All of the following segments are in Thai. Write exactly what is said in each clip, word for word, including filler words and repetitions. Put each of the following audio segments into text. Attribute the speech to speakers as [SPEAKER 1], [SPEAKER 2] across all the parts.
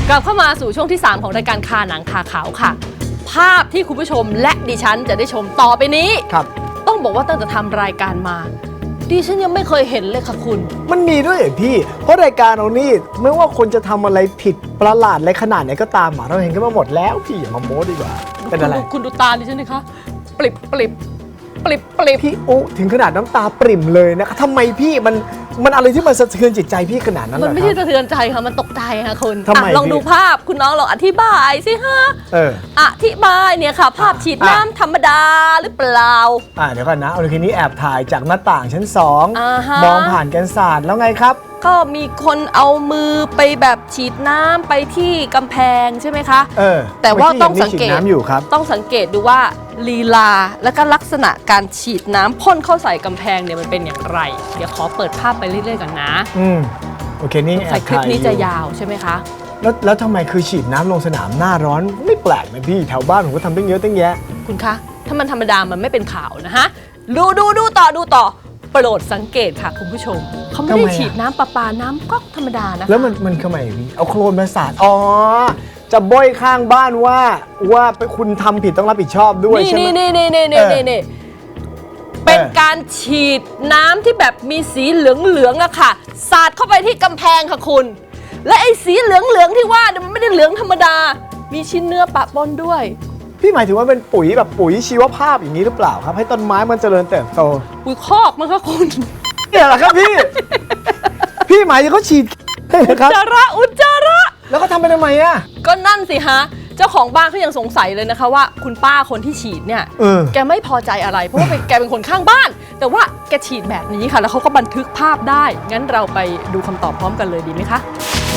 [SPEAKER 1] กลับเข้ามาสู่ช่วงที่สามของรายการคาหนังคาขาวค่ะภาพที่คุณผู้ชมและดิฉันจะได้ชมต่อไปนี้ครับต้องบอกว่าตั้งแต่ทำรายการมาดิฉันยังไม่เคยเห็นเลยค่ะคุณ
[SPEAKER 2] มันมีด้วยเหรอพี่เพราะรายการเรานี่ไม่ว่าคนจะทำอะไรผิดประหลาดอะไรขนาดไหนก็ตามเราเห็นกันมาหมดแล้วพี่อย่ามาโม้ดีกว่าเป็นอะไร
[SPEAKER 1] คุณดูตาดิฉันดิคะปริบปริบปริบปริบ
[SPEAKER 2] พี่อุถึงขนาดน้ำตาปริ่มเลยนะคะทำไมพี่มันมันอะไรที่มันสะเทือนจิตใจพี่ขนาดนั้นล่ะ
[SPEAKER 1] มันไม่ใช่สะเทือนใจค่ะมันตกใจค่ะคุณ
[SPEAKER 2] ล
[SPEAKER 1] องดูภาพคุณน้องลองอธิบายสิฮะ
[SPEAKER 2] เออ
[SPEAKER 1] อธิบายเนี่ยค่ะภาพฉีดน้ำธรรมดาหรือเปล่า
[SPEAKER 2] อ่าเดี๋ยวก่อนนะเอาทีนี้แอบถ่ายจากหน้าต่างชั้นสองมองผ่านกันศาสตร์แล้วไงครับ
[SPEAKER 1] ก็มีคนเอามือไปแบบฉีดน้ำไปที่กำแพงใช่ไหมคะ
[SPEAKER 2] เออ
[SPEAKER 1] แต่ว่าต้องสังเกต
[SPEAKER 2] ต้
[SPEAKER 1] องสังเกตดูว่าลีลาและก็ลักษณะการฉีดน้ำพ่นเข้าใส่กำแพงเนี่ยมันเป็นอย่างไรเดี๋ยวขอเปิดภาพไปเรื่อยๆกันนะ
[SPEAKER 2] อืมโอเคนี่
[SPEAKER 1] ใส่คลิปนี้จะยาวใช่ไหมคะ
[SPEAKER 2] แล้วแล้วทำไมคือฉีดน้ำลงสนามหน้าร้อนไม่แปลกไหมพี่แถวบ้านผมก็ทำตั้งเยอะตั้งแยะ
[SPEAKER 1] คุณคะถ้ามันธรรมดามันไม่เป็นข่าวนะฮะดูดูดูต่อดูต่อโปรดสังเกตค่ะคุณผู้ชมเขาไม่ได้ฉีดน้ำประปาน้ำก๊อกธรรมดานะ
[SPEAKER 2] แล้วมันมันทำไมพี่เอาโคลนมาสาดอ๋อจะบ่อยข้างบ้านว่าว่าคุณทำผิดต้องรับผิดชอบด้วยใช่ไหม
[SPEAKER 1] นี่นี่นี่นี่นี่นี่นี่เป็นการฉีดน้ำที่แบบมีสีเหลืองเหลืองอะค่ะสาดเข้าไปที่กำแพงค่ะคุณและไอ้สีเหลืองเหลืองที่ว่ามันไม่ได้เหลืองธรรมดามีชิ้นเนื้อปะปนด้วย
[SPEAKER 2] พี่หมายถึงว่าเป็นปุ๋ยแบบปุ๋ยชีวภาพอย่างนี้หรือเปล่าครับให้ต้นไม้มันเจริญเติบโต
[SPEAKER 1] ปุ๋ยคอกมั้งคะคุณ
[SPEAKER 2] เนี่ยแหละครับพี่พี่หมายถึงเขาฉีด
[SPEAKER 1] อุจจาระอุจจาระ
[SPEAKER 2] แล้วก็ทำไปทำไมอ่ะ
[SPEAKER 1] ก็นั่นสิฮะเจ้าของบ้านเขายังสงสัยเลยนะคะว่าคุณป้าคนที่ฉีดเนี่ยแกไม่พอใจอะไรเพราะว่าแกเป็นคนข้างบ้านแต่ว่าแกฉีดแบบนี้ค่ะแล้วเขาก็บันทึกภาพได้งั้นเราไปดูคำตอบพร้อมกันเลยดีไหมคะ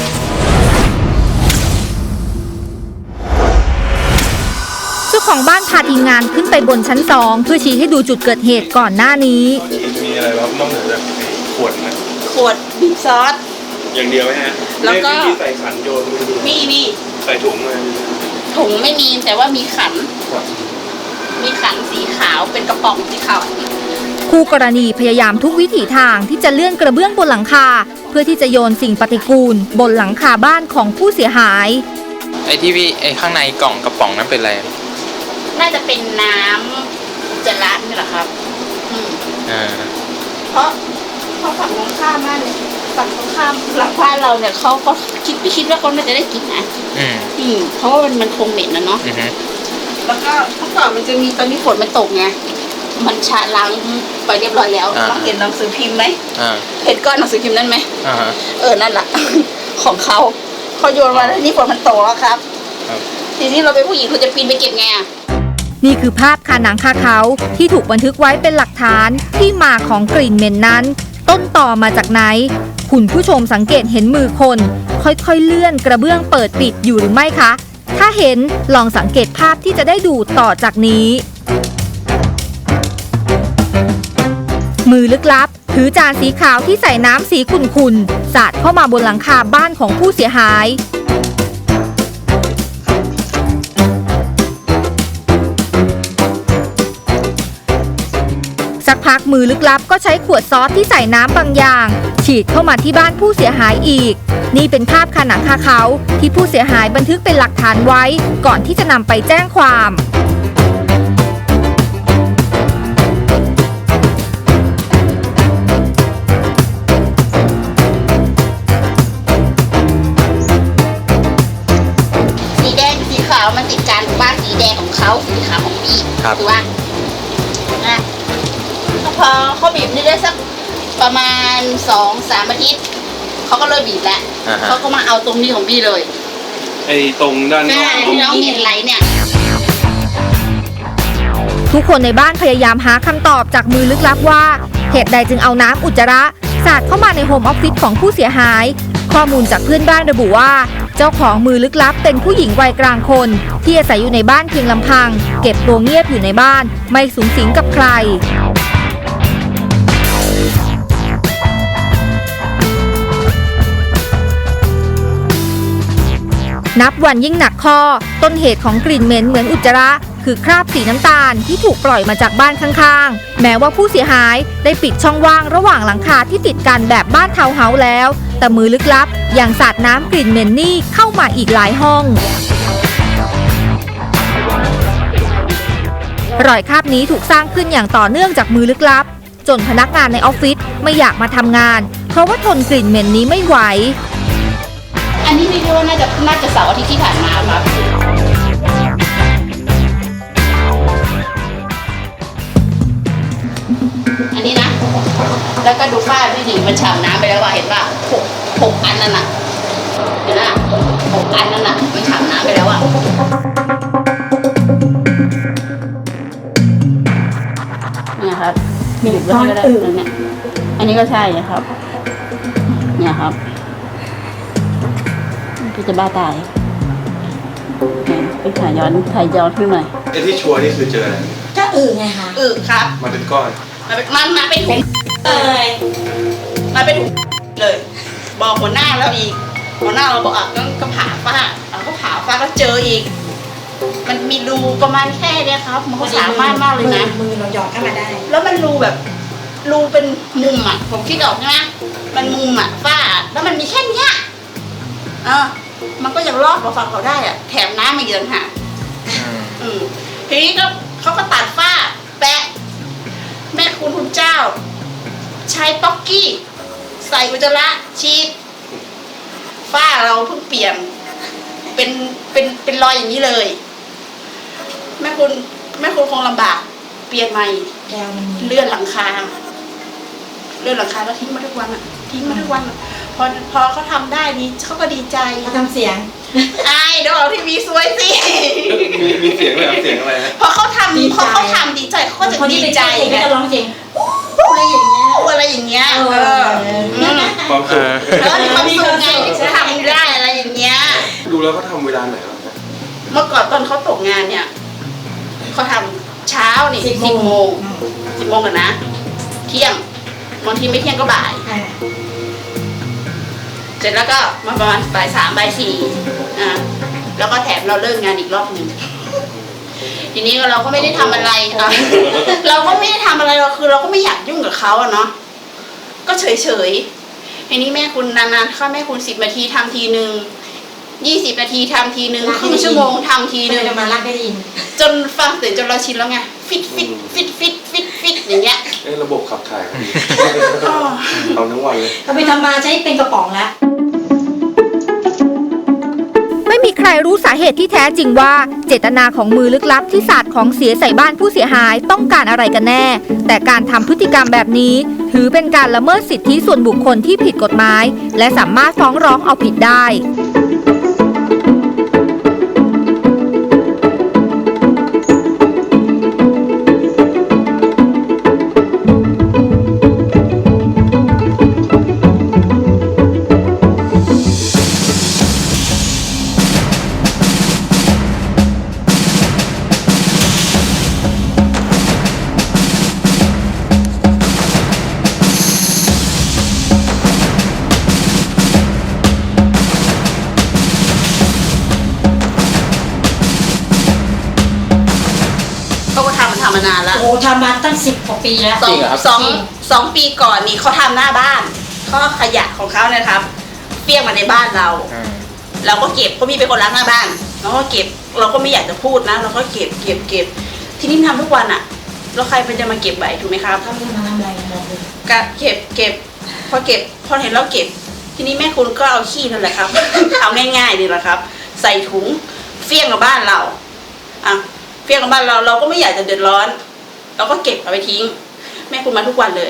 [SPEAKER 3] เจ้าของบ้านพาทีมงานขึ้นไปบนชั้นสองเพื่อชี้ให้ดูจุดเกิดเหตุก่อนหน้านี้
[SPEAKER 4] มีอะไรบ้างนอกจากขวดนะ
[SPEAKER 5] ขวดบีบซอส
[SPEAKER 4] อย่างเดียวไหมฮะ
[SPEAKER 5] แล้วก็
[SPEAKER 4] มีใส่ขันโยน
[SPEAKER 5] มีมี
[SPEAKER 4] ใส่ถุงเลย
[SPEAKER 5] ถุงไม่มีแต่ว่ามีขันมีขันสีขาวเป็นกระป๋องสีขาว
[SPEAKER 3] คู่กรณีพยายามทุกวิถีทางที่จะเลื่อนกระเบื้องบนหลังคาเพื่อที่จะโยนสิ่งปฏิกูลบนหลังคาบ้านของผู้เสียหาย
[SPEAKER 6] ไอ้ที่พี่ไอ้ข้างในกล่องกระป๋องนั้นเป็นอะไร
[SPEAKER 5] น่าจะเป็นน้ำอุจจาระนี่แหละครับ
[SPEAKER 6] อ่า
[SPEAKER 5] เพราะเพราะฝั่งตรงข้ามบ้านเนี่ยฝั่งตรงข้ามหลังบ้านเราเนี่ยเขาก็คิดไม่คิดว่าเขาน่าจะได้กินนะ
[SPEAKER 6] อืม
[SPEAKER 5] อืมเพราะว่ามันมันคงเหม็นนะเนาะแล้วก็เมื่อก่อนมันจะมีตอนนี้ฝนมันตกไงมันชะล้างไปเรียบร้อยแล้วเราเห็นหนังสือพิมพ์ไหมเห็นก้อนหนังสือพิมพ์นั่นไหมเออนั่นแหละของเขาเขาโยนมาแล้วนี่ฝนมันตกแล้วครับทีนี้เราเป็นผู้หญิงเราจะปีนไปเก็บไง
[SPEAKER 3] นี่คือภาพคาหนังคาเขาที่ถูกบันทึกไว้เป็นหลักฐานที่มาของกลิ่นเหม็นนั้นต้นต่อมาจากไหนคุณผู้ชมสังเกตเห็นมือคนค่อยๆเลื่อนกระเบื้องเปิดปิดอยู่หรือไม่คะถ้าเห็นลองสังเกตภาพที่จะได้ดูต่อจากนี้มือลึกลับถือจานสีขาวที่ใส่น้ำสีขุ่นๆสาดเข้ามาบนหลังคาบ้านของผู้เสียหายสักพักมือลึกลับก็ใช้ขวดซอสที่ใส่น้ำบางอย่างฉีดเข้ามาที่บ้านผู้เสียหายอีกนี่เป็นภาพคาหนังคาเขาที่ผู้เสียหายบันทึกเป็นหลักฐานไว้ก่อนที่จะนำไปแจ้งความ
[SPEAKER 5] สีแดงสีขาวมันติดกันบ้านสีแดงของเขาสีขาวของพี่คือว่านะพอเขาบีบนี่ได้สักประมาณสองสามอาทิตย์เขาก็เลิกบีบแล้วเขาก็มาเอาตรงนี้ของพี่เลย
[SPEAKER 4] ไอ้ตรงด้านนอก
[SPEAKER 5] ที่น้องเห็นไหลเนี่ย
[SPEAKER 3] ทุกคนในบ้านพยายามหาคำตอบจากมือลึกลับว่าเหตุใดจึงเอาน้ำอุจจาระสาดเข้ามาในโฮมออฟฟิศของผู้เสียหายข้อมูลจากเพื่อนบ้านระบุว่าเจ้าของมือลึกลับเป็นผู้หญิงวัยกลางคนที่อาศัยอยู่ในบ้านเพียงลำพังเก็บตัวเงียบอยู่ในบ้านไม่สุงสิงกับใครนับวันยิ่งหนักข้อต้นเหตุของกลิ่นเหม็นเหมือนอุจจาระคือคราบสีน้ำตาลที่ถูกปล่อยมาจากบ้านข้างๆแม้ว่าผู้เสียหายได้ปิดช่องว่างระหว่างหลังคาที่ติดกันแบบบ้านทาวน์เฮาส์แล้วแต่มือลึกลับยังสาดน้ำกลิ่นเหม็นนี่เข้ามาอีกหลายห้อง รอยคราบนี้ถูกสร้างขึ้นอย่างต่อเนื่องจากมือลึกลับ จนพนักงานในออฟฟิศไม่อยากมาทำงาน เพราะว่าทนกลิ่นเหม็นนี้ไม่ไหว
[SPEAKER 5] อันนี้ไม่รู้ว่าน่าจะน่าจะเสาร์อาทิตย์ที่ผ่านมาครับอันนี้นะ แล้วก็ดูฝ้าพี่หนิงมันฉ่ำน้ำไปแล้วว่าเห็นป่ะหกหกอันนั่นน่ะเห็นป่ะหกอันนั่นน่ะมันฉ่ำน้ำไปแล้วอ่ะเนี่ยครับมีอยู่ด้วยก็ได้เนี่ยอันนี้ก็ใช่นะครับเนี่ยครับพี่จะบ้าตายไปถ่ายย้อนถ่ายย้อนขึ้นหน่อย
[SPEAKER 4] ไอ้ที่ชัวร์นี่คือเจออะไร
[SPEAKER 7] ก็อื่นไงคะ
[SPEAKER 5] อึครับ
[SPEAKER 4] มาเป็นก้อน
[SPEAKER 5] มาเป็นมันมาเป็นถุงเลยมาเป็นถุงเลย บอกหัวหน้าแล้วอีกหัวหน้าเราบอกอ่ะก็ก็ผ่าฝ้าเราก็ผ่าฝ้าก็เจออีก มันมีรูประมาณแค่เนี้ยครับ มันก็สามารถมากเลยนะ
[SPEAKER 7] มือเราหยอดเข้ามาได้
[SPEAKER 5] แล้วมันรูแบบรูเป็นมุมอ่ะผมคิดออกใช่ไหมมันมุมอ่ะฝ้า แล้วมันมีแค่เนี้ยเออมันก็ยังรอดมาฟังเขาได้อ่ะแถมน้ำมาอีกต่างหากอืมทีนี้ก็เขาก็ตัดฝ้า แปะ แม่คุณคุณเจ้า ใช้ป๊อกกี้ ใส่อุจจาระชีดฝ้าเราเพิ่งเปลี่ยน เป็นเป็นเป็นรอยอย่างนี้เลย แม่คุณแม่คุณคงลำบาก เปลี่ยนใหม่
[SPEAKER 7] แล้วมัน
[SPEAKER 5] เลื่อนหลังคา เลื่อนหลังคาแล้วทิ้งมาทุกวันอ่ะ ทิ้งมาทุกวันอะพอพอเขาทำได้ดีเขาก็ดีใจ
[SPEAKER 7] เขาทำเสียง
[SPEAKER 5] ไอ้เดี๋ยวเอาทีวีสวยสิ
[SPEAKER 4] มีมีเสียงเลยครับเสียงอะไรฮะ
[SPEAKER 5] พอเขาท
[SPEAKER 7] ดี
[SPEAKER 5] ำ
[SPEAKER 7] ใจ
[SPEAKER 5] พอเขาทำดีใจเขาก็จะ
[SPEAKER 7] คน
[SPEAKER 5] ดี
[SPEAKER 7] ที่เป็น
[SPEAKER 5] ใจ
[SPEAKER 7] เจ้าเอง
[SPEAKER 5] ไง
[SPEAKER 7] ก็จะร้องเพลงอะไรอย่างเงี้ย
[SPEAKER 5] อะไรอย่างเงี้ย
[SPEAKER 7] เออ
[SPEAKER 5] เอออืม
[SPEAKER 4] ความสุข
[SPEAKER 5] แล้วมีความสุขไงที่เขาทำได้อะไรอย่างเงี้ย
[SPEAKER 4] ดูแล้วเขาทำเวลาไหนครับ
[SPEAKER 5] เมื่อก่อนตอนเขาตกงานเนี่ยเขาทำเช้านี่
[SPEAKER 7] สิ
[SPEAKER 5] สิ
[SPEAKER 7] บบ โม
[SPEAKER 5] โม
[SPEAKER 7] ง
[SPEAKER 5] งสิบโมงกันนะ เที่ยงบางทีไม่เที่ยงก็บ่าย
[SPEAKER 7] อ่า
[SPEAKER 5] เสร็จแล้วก็มาประมาณบ่ายสามบ่ายสี่อ่ะแล้วก็แถมเราเลิกงานอีกรอบหนึ่งทีนี้เราก็ไม่ได้ทำอะไรอ่ะเราก็ไม่ได้ทำอะไรเราคือเราก็ไม่อยากยุ่งกับเขาอะเนาะก็เฉยเฉยๆทีนี้แม่คุณนานๆเข้าแม่คุณสิบนาทีทำทีหนึ่งยี่สิบนาทีทำทีหนึ่งครึ่งชั่วโมงทำทีหนึ่ง
[SPEAKER 7] จะมารักได้ยิน
[SPEAKER 5] จนฟังเสียงจนเราชินแล้วไงฟิตฟิตฟิตฟิตฟิตฟิตอย่างเงี้ย
[SPEAKER 4] เอ้ระบบขับถ่ายเอาทั้งวันเลย
[SPEAKER 7] เราไปทำมาใช้เป็นกระป๋องแล้ว
[SPEAKER 3] ไม่มีใครรู้สาเหตุที่แท้จริงว่าเจตนาของมือลึกลับที่สาดของเสียใส่บ้านผู้เสียหายต้องการอะไรกันแน่ แต่การทำพฤติกรรมแบบนี้ ถือเป็นการละเมิดสิทธิส่วนบุคคลที่ผิดกฎหมาย และสามารถฟ้องร้องเอาผิดได้
[SPEAKER 5] เขาก็ทำมันทำมานานแล้ว
[SPEAKER 7] โอ้ทำมาตั้งสิบกว่าปีแล้ว
[SPEAKER 5] สอง
[SPEAKER 6] จริงเหรอครับ
[SPEAKER 5] สองสองปีก่อนนี่เขาทำหน้าบ้านเขาเอาขยะของเขาเนี่ยครับเปี้ยงมาในบ้านเรา เราก็เก็บเขามีเป็นคนล้างหน้าบ้านเราก็เก็บเราก็ไม่อยากจะพูดนะ เราก็เก็บเก็บเก็บทีนี้มันทำทุกวันอะแล้วใครมันจะมาเก็บไหวถูกไหมครับ
[SPEAKER 7] เขาจะมาทำอะไรบอกเลย
[SPEAKER 5] ก็เก็บเก็บพอเก็บพอเห็นเราเก็บ ทีนี้แม่คุณก็เอาขี้นั่นแหละครับ เอาง่ายๆนี่แหละครับ ใส่ถุงเฟี้ยงกับบ้านเราอ่ะเฟี้ยงกับบ้านเราเราก็ไม่อยากจะเดือดร้อน เราก็เก็บเอาไปทิ้ง แม่คุณมาทุกวันเลย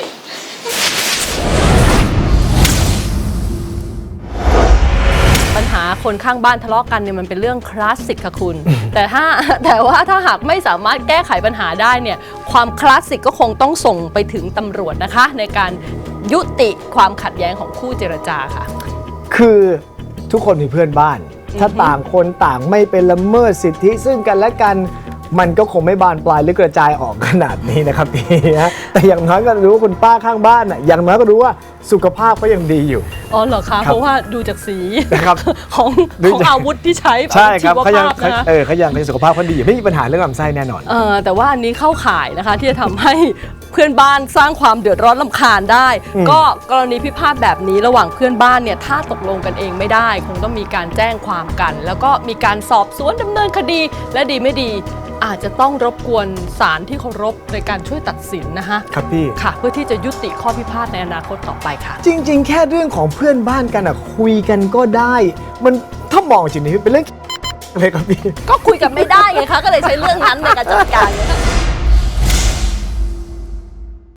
[SPEAKER 1] ปัญหาคนข้างบ้านทะเลาะกันเนี่ยมันเป็นเรื่องคลาสสิกค่ะคุณ แต่ถ้าแต่ว่าถ้าหากไม่สามารถแก้ไขปัญหาได้เนี่ยความคลาสสิกก็คงต้องส่งไปถึงตำรวจนะคะ ในการยุติความขัดแย้งของคู่เจรจาค่ะ
[SPEAKER 2] คือทุกคนมีเพื่อนบ้าน ถ้าต่างคนต่างไม่เป็นละเมิดสิทธิซึ่งกันและกันมันก็คงไม่บานปลายหรือกระจายออกขนาดนี้นะครับพี่นะแต่อย่างน้อยก็รู้ว่าคุณป้าข้างบ้านน่ะอย่างน้อยก็รู้ว่าสุขภาพก็ยังดีอยู่
[SPEAKER 1] อ๋อเหรอคะ
[SPEAKER 2] ครับ
[SPEAKER 1] เพราะว่าดูจากสี
[SPEAKER 2] นะครับ
[SPEAKER 1] ของ
[SPEAKER 2] ดู
[SPEAKER 1] ของ
[SPEAKER 2] จาก
[SPEAKER 1] อาวุธที่ใช้
[SPEAKER 2] ใช่ครับ
[SPEAKER 1] อาวุธ
[SPEAKER 2] เขา
[SPEAKER 1] ชีว
[SPEAKER 2] ยัง
[SPEAKER 1] ภาพนะคะ
[SPEAKER 2] เออเขายังในสุขภาพเขาดีอยู่ไม่มีปัญหาเรื่องลำไส้แน่นอน
[SPEAKER 1] เออแต่ว่าอันนี้เข้าข่ายนะคะที่จะทำให้เพื่อนบ้านสร้างความเดือดร้อนรำคาญได้
[SPEAKER 2] อืม
[SPEAKER 1] ก็กรณีพิพาทแบบนี้ระหว่างเพื่อนบ้านเนี่ยถ้าตกลงกันเองไม่ได้คงต้องมีการแจ้งความกัน แล้วก็มีการสอบสวนดำเนินคดีและดีไม่ดี อาจจะต้องรบกวนศาลที่เคารพในการช่วยตัดสินนะคะ
[SPEAKER 2] ครับพี่
[SPEAKER 1] ค่ะ เพื่อที่จะยุติข้อพิพาทในอนาคตต่อไปค่ะ
[SPEAKER 2] จริง ๆ แค่เรื่องของเพื่อนบ้านกันอะคุยกันก็ได้ มันถ้ามองจริงๆเป็นเรื่องเลยครับพี่
[SPEAKER 1] ก็คุยกันไม่ได้ไงคะก็เลยใช้เรื่องนั้นในการจัดการไงคะ